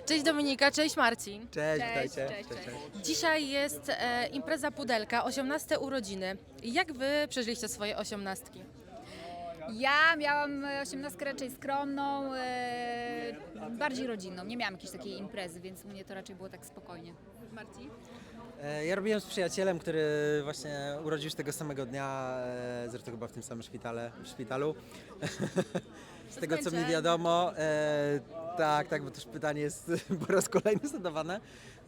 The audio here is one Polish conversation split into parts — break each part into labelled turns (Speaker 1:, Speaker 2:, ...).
Speaker 1: Cześć Dominika, cześć Marcin.
Speaker 2: Cześć,
Speaker 3: Cześć,
Speaker 2: witajcie.
Speaker 3: cześć.
Speaker 1: Dzisiaj jest impreza Pudelka, 18 urodziny. Jak wy przeżyliście swoje osiemnastki?
Speaker 3: Ja miałam osiemnastkę raczej skromną, bardziej rodzinną. Nie miałam jakiejś takiej imprezy, więc u mnie to raczej było tak spokojnie.
Speaker 1: Marcin?
Speaker 2: Ja robiłem z przyjacielem, który właśnie urodził się tego samego dnia, zresztą chyba w tym samym szpitalu. Z tego co mi wiadomo, tak, bo też pytanie jest po raz kolejny zadawane.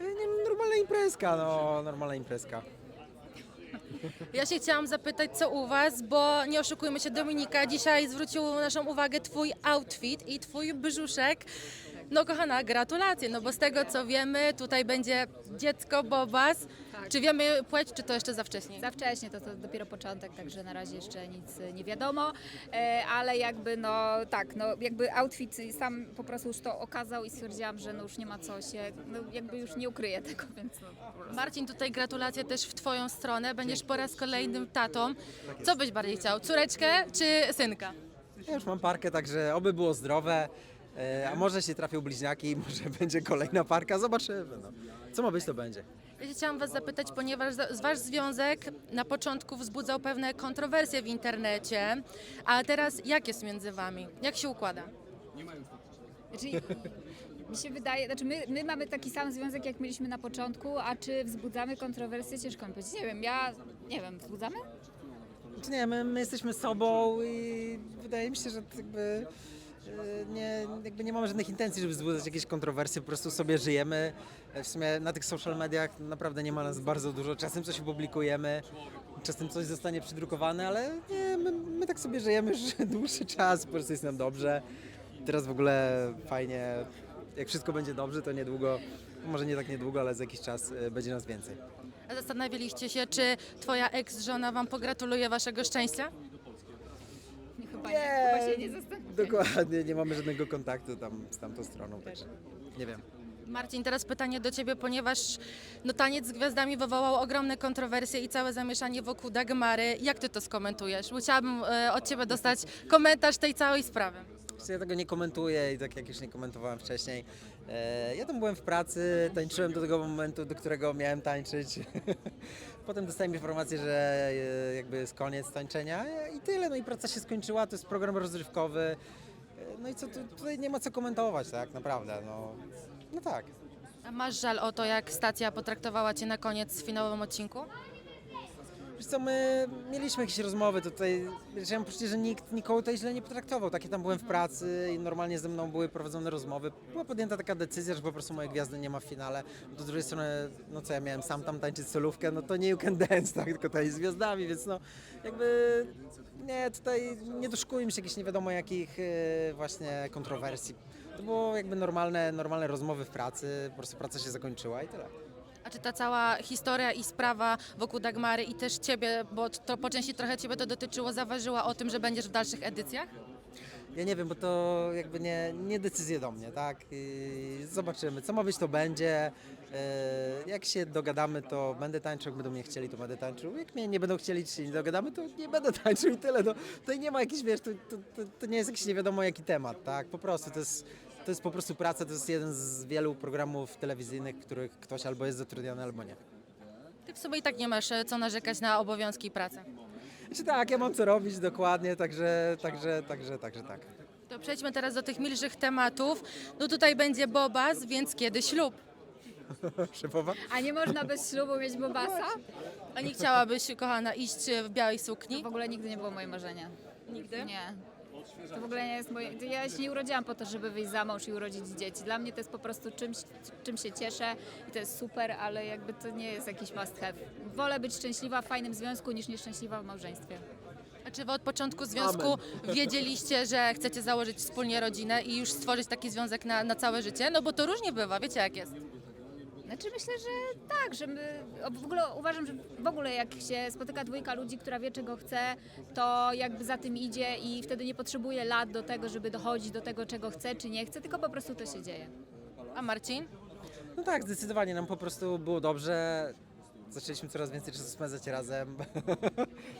Speaker 2: Normalna imprezka.
Speaker 1: Ja się chciałam zapytać, co u was, bo nie oszukujmy się, Dominika, dzisiaj zwrócił naszą uwagę twój outfit i twój brzuszek. No kochana, gratulacje, no bo z tego co wiemy, tutaj będzie dziecko Bobas.
Speaker 3: Tak.
Speaker 1: Czy wiemy płeć, czy to jeszcze za wcześnie?
Speaker 3: Za wcześnie, to dopiero początek, także na razie jeszcze nic nie wiadomo, ale jakby jakby outfit sam po prostu już to okazał i stwierdziłam, że no już nie ma co się, no jakby już nie ukryję tego, więc no po prostu.
Speaker 1: Marcin, tutaj gratulacje też w twoją stronę, będziesz po raz kolejnym tatą. Co byś bardziej chciał, córeczkę czy synka?
Speaker 2: Ja już mam parkę, także oby było zdrowe. A może się trafią bliźniaki, może będzie kolejna parka, zobaczymy. No. Co ma być, to będzie.
Speaker 1: Ja się chciałam was zapytać, ponieważ wasz związek na początku wzbudzał pewne kontrowersje w internecie, a teraz jak jest między wami? Jak się układa?
Speaker 3: Znaczy, mi się wydaje, znaczy my mamy taki sam związek, jak mieliśmy na początku, a czy wzbudzamy kontrowersje? Ciężko mi powiedzieć. Nie wiem, wzbudzamy?
Speaker 2: Czy nie, my jesteśmy sobą i wydaje mi się, że jakby nie mamy żadnych intencji, żeby wzbudzać jakieś kontrowersje, po prostu sobie żyjemy. W sumie na tych social mediach naprawdę nie ma nas bardzo dużo. Czasem coś publikujemy, czasem coś zostanie przydrukowane, ale nie, my tak sobie żyjemy już dłuższy czas, po prostu jest nam dobrze. Teraz w ogóle fajnie, jak wszystko będzie dobrze, to niedługo, może nie tak niedługo, ale za jakiś czas będzie nas więcej.
Speaker 1: A zastanawialiście się, czy twoja ex-żona wam pogratuluje waszego szczęścia?
Speaker 3: Chyba się nie zastanawiam.
Speaker 2: Dokładnie, nie mamy żadnego kontaktu tam z tamtą stroną, także nie wiem.
Speaker 1: Marcin, teraz pytanie do ciebie, ponieważ no, taniec z gwiazdami wywołał ogromne kontrowersje i całe zamieszanie wokół Dagmary. Jak ty to skomentujesz? Chciałabym od ciebie dostać komentarz tej całej sprawy.
Speaker 2: Ja tego nie komentuję i tak jak już nie komentowałem wcześniej. Ja tam byłem w pracy, tańczyłem do tego momentu, do którego miałem tańczyć. Potem dostałem informację, że jakby jest koniec tańczenia i tyle. No i praca się skończyła, to jest program rozrywkowy. No i co, tutaj nie ma co komentować, tak naprawdę. No tak.
Speaker 1: A masz żal o to, jak stacja potraktowała cię na koniec w finałowym odcinku?
Speaker 2: Wiesz co, my mieliśmy jakieś rozmowy tutaj, chciałem poczuć, że nikt nikogo tutaj źle nie potraktował. Tak, ja tam byłem w pracy i normalnie ze mną były prowadzone rozmowy. Była podjęta taka decyzja, że po prostu mojej gwiazdy nie ma w finale. Z drugiej strony, no co ja miałem sam tam tańczyć solówkę, no to nie You Can Dance, tak, tylko tańczyć z gwiazdami, więc no jakby nie, tutaj nie doszukujmy się jakichś nie wiadomo jakich właśnie kontrowersji. To było jakby normalne rozmowy w pracy, po prostu praca się zakończyła i tyle.
Speaker 1: A czy ta cała historia i sprawa wokół Dagmary i też ciebie, bo to po części trochę ciebie to dotyczyło, zaważyła o tym, że będziesz w dalszych edycjach?
Speaker 2: Ja nie wiem, bo to jakby nie decyzje do mnie, tak? I zobaczymy, co ma być, to będzie. Jak się dogadamy, to będę tańczył, jak będą mnie chcieli, to będę tańczył. Jak mnie nie będą chcieli, czy się nie dogadamy, to nie będę tańczył i tyle. No, tutaj nie ma jakiś, wiesz, to nie jest jakiś nie wiadomo jaki temat, tak? Po prostu to jest po prostu praca, to jest jeden z wielu programów telewizyjnych, w których ktoś albo jest zatrudniony, albo nie.
Speaker 1: Ty w sumie i tak nie masz co narzekać na obowiązki i pracę.
Speaker 2: Znaczy tak, ja mam co robić dokładnie, także tak.
Speaker 1: To przejdźmy teraz do tych milszych tematów. No tutaj będzie Bobas, więc kiedy ślub?
Speaker 2: Szefowa?
Speaker 3: A nie można bez ślubu mieć bobasa?
Speaker 1: A nie chciałabyś, kochana, iść w białej
Speaker 3: To
Speaker 1: sukni?
Speaker 3: w ogóle nigdy nie było moje marzenie.
Speaker 1: Nigdy?
Speaker 3: Nie. To w ogóle nie jest moje... Ja się nie urodziłam po to, żeby wyjść za mąż i urodzić dzieci. Dla mnie to jest po prostu czym się cieszę i to jest super, ale jakby to nie jest jakiś must have. Wolę być szczęśliwa w fajnym związku niż nieszczęśliwa w małżeństwie.
Speaker 1: A czy wy od początku związku wiedzieliście, że chcecie założyć wspólnie rodzinę i już stworzyć taki związek na całe życie? No bo to różnie bywa, wiecie jak jest.
Speaker 3: Znaczy myślę, że tak, że my w ogóle uważam, że w ogóle jak się spotyka dwójka ludzi, która wie czego chce, to jakby za tym idzie i wtedy nie potrzebuje lat do tego, żeby dochodzić do tego, czego chce czy nie chce, tylko po prostu to się dzieje.
Speaker 1: A Marcin?
Speaker 2: No tak, zdecydowanie nam po prostu było dobrze. Zaczęliśmy coraz więcej czasu spędzać razem. No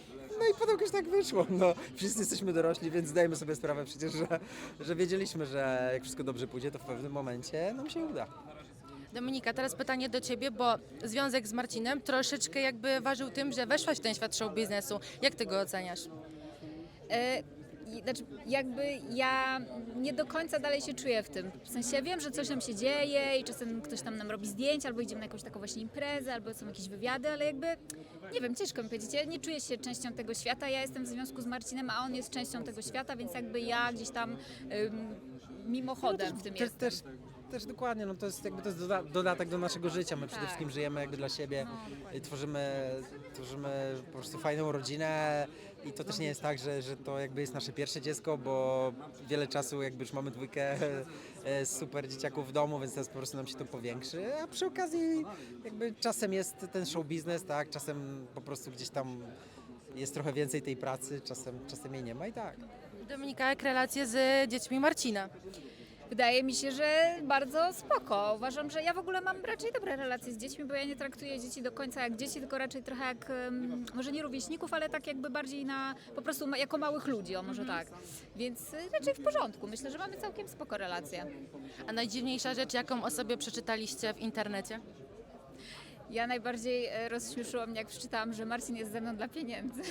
Speaker 2: i potem jakoś tak wyszło. No, wszyscy jesteśmy dorośli, więc zdajemy sobie sprawę przecież, że wiedzieliśmy, że jak wszystko dobrze pójdzie, to w pewnym momencie nam się uda.
Speaker 1: Dominika, teraz pytanie do Ciebie, bo związek z Marcinem troszeczkę jakby ważył tym, że weszłaś w ten świat show biznesu. Jak Ty go oceniasz?
Speaker 3: Znaczy, jakby ja nie do końca dalej się czuję w tym. W sensie wiem, że coś nam się dzieje i czasem ktoś tam nam robi zdjęcia, albo idziemy na jakąś taką właśnie imprezę, albo są jakieś wywiady, ale jakby, nie wiem, ciężko mi powiedzieć. Ja nie czuję się częścią tego świata, ja jestem w związku z Marcinem, a on jest częścią tego świata, więc jakby ja gdzieś tam mimochodem w tym jestem.
Speaker 2: Też dokładnie, no to jest jakby to jest dodatek do naszego życia. My przede
Speaker 3: Tak.
Speaker 2: wszystkim żyjemy jakby dla siebie,
Speaker 3: dokładnie.
Speaker 2: i tworzymy po prostu fajną rodzinę i to też nie jest tak, że to jakby jest nasze pierwsze dziecko, bo wiele czasu jakby już mamy dwójkę super dzieciaków w domu, więc teraz po prostu nam się to powiększy, a przy okazji jakby czasem jest ten show biznes, tak, czasem po prostu gdzieś tam jest trochę więcej tej pracy, czasem jej nie ma i tak.
Speaker 1: Dominika, jak relacje z dziećmi Marcina?
Speaker 3: Wydaje mi się, że bardzo spoko. Uważam, że ja w ogóle mam raczej dobre relacje z dziećmi, bo ja nie traktuję dzieci do końca jak dzieci, tylko raczej trochę jak, może nie rówieśników, ale tak jakby bardziej po prostu jako małych ludzi, o może tak. Więc raczej w porządku. Myślę, że mamy całkiem spoko relacje.
Speaker 1: A najdziwniejsza rzecz, jaką o sobie przeczytaliście w internecie?
Speaker 3: Ja najbardziej rozśmieszyło mnie, jak przeczytałam, że Marcin jest ze mną dla pieniędzy.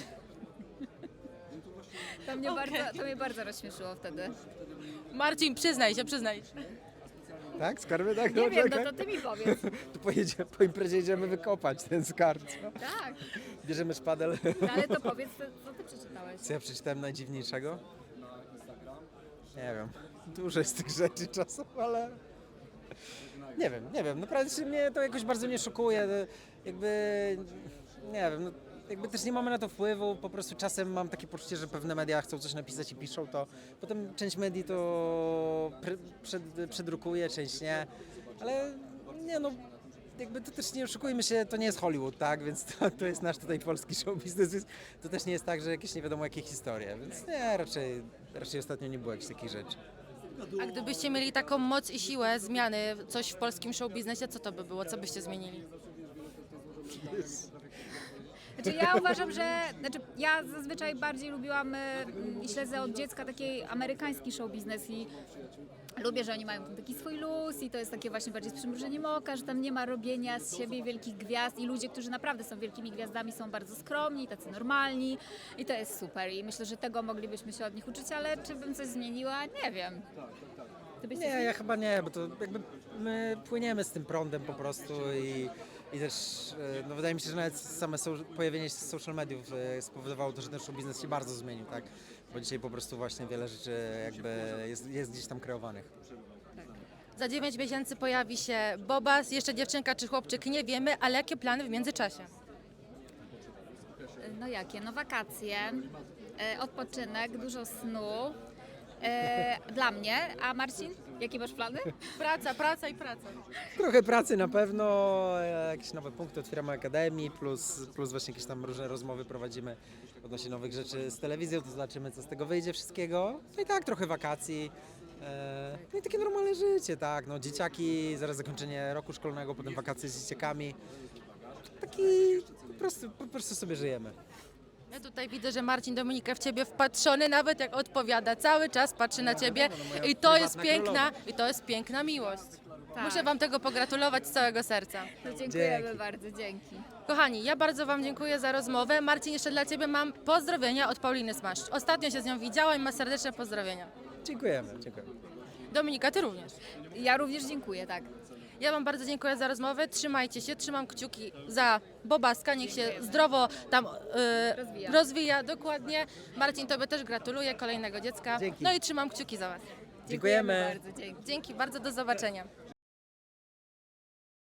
Speaker 3: To mnie bardzo rozśmieszyło wtedy.
Speaker 1: Marcin, przyznaj się.
Speaker 2: Tak? Skarby? Tak?
Speaker 3: Nie wiem, no to ty mi powiedz.
Speaker 2: Tu po imprezie idziemy wykopać ten skarb. Co?
Speaker 3: Tak,
Speaker 2: Bierzemy szpadel.
Speaker 3: no ale to powiedz, co ty przeczytałeś.
Speaker 2: Co ja przeczytałem najdziwniejszego? Nie wiem. Dużo jest tych rzeczy czasem, ale... Nie wiem. Naprawdę się mnie to jakoś bardzo nie szokuje. Jakby... Nie wiem, no, jakby też nie mamy na to wpływu. Po prostu czasem mam takie poczucie, że pewne media chcą coś napisać i piszą to. Potem część medii to przedrukuje, część nie. Ale nie no... Jakby to też nie oszukujmy się, to nie jest Hollywood, tak? Więc to jest nasz tutaj polski show business, więc to też nie jest tak, że jakieś nie wiadomo jakie historie, więc nie, raczej ostatnio nie było jakichś takich rzeczy.
Speaker 1: A gdybyście mieli taką moc i siłę zmiany coś w polskim show biznesie, co to by było? Co byście zmienili?
Speaker 3: Znaczy ja uważam, ja zazwyczaj bardziej lubiłam i śledzę od dziecka taki amerykański show biznes i lubię, że oni mają tam taki swój luz i to jest takie właśnie bardziej z przymrużeniem oka, że tam nie ma robienia z siebie wielkich gwiazd i ludzie, którzy naprawdę są wielkimi gwiazdami, są bardzo skromni, tacy normalni i to jest super i myślę, że tego moglibyśmy się od nich uczyć, ale czy bym coś zmieniła? Nie wiem. Ty byś coś
Speaker 2: Nie,
Speaker 3: zmienił?
Speaker 2: ja chyba nie, bo to jakby my płyniemy z tym prądem po prostu i też no wydaje mi się, że nawet same pojawienie się social mediów spowodowało to, że ten show biznes się bardzo zmienił, tak? Bo dzisiaj po prostu właśnie wiele rzeczy jakby jest gdzieś tam kreowanych.
Speaker 1: Za 9 miesięcy pojawi się Bobas, jeszcze dziewczynka czy chłopczyk, nie wiemy, ale jakie plany w międzyczasie?
Speaker 3: No jakie? No wakacje, odpoczynek, dużo snu. Dla mnie, a Marcin, jakie masz plany?
Speaker 1: Praca.
Speaker 2: Trochę pracy na pewno, jakieś nowe punkty otwieramy akademii, plus właśnie jakieś tam różne rozmowy prowadzimy odnośnie nowych rzeczy z telewizją, to zobaczymy co z tego wyjdzie wszystkiego. No i tak, trochę wakacji, no i takie normalne życie, tak, no dzieciaki, zaraz zakończenie roku szkolnego, potem wakacje z dzieciakami. Taki po prostu sobie żyjemy.
Speaker 1: Ja tutaj widzę, że Marcin Dominika w ciebie wpatrzony, nawet jak odpowiada, cały czas patrzy na ciebie
Speaker 2: moja
Speaker 1: i to jest
Speaker 2: prywatna
Speaker 1: piękna miłość.
Speaker 3: Tak.
Speaker 1: Muszę wam tego pogratulować z całego serca.
Speaker 3: No, dziękujemy
Speaker 2: Dzięki.
Speaker 3: bardzo, dzięki.
Speaker 1: Kochani, ja bardzo wam dziękuję za rozmowę. Marcin, jeszcze dla ciebie mam pozdrowienia od Pauliny Smaszcz. Ostatnio się z nią widziałam i ma serdeczne pozdrowienia.
Speaker 2: Dziękujemy.
Speaker 1: Dominika, ty również.
Speaker 3: Ja również dziękuję, tak.
Speaker 1: Ja wam bardzo dziękuję za rozmowę. Trzymajcie się, trzymam kciuki za Bobaska, niech się zdrowo tam rozwija. Dokładnie. Marcin, tobie też gratuluję kolejnego dziecka.
Speaker 2: Dzięki.
Speaker 1: No i trzymam kciuki za was.
Speaker 2: Dziękujemy.
Speaker 3: Bardzo, dzięki.
Speaker 1: Dzięki bardzo, do zobaczenia.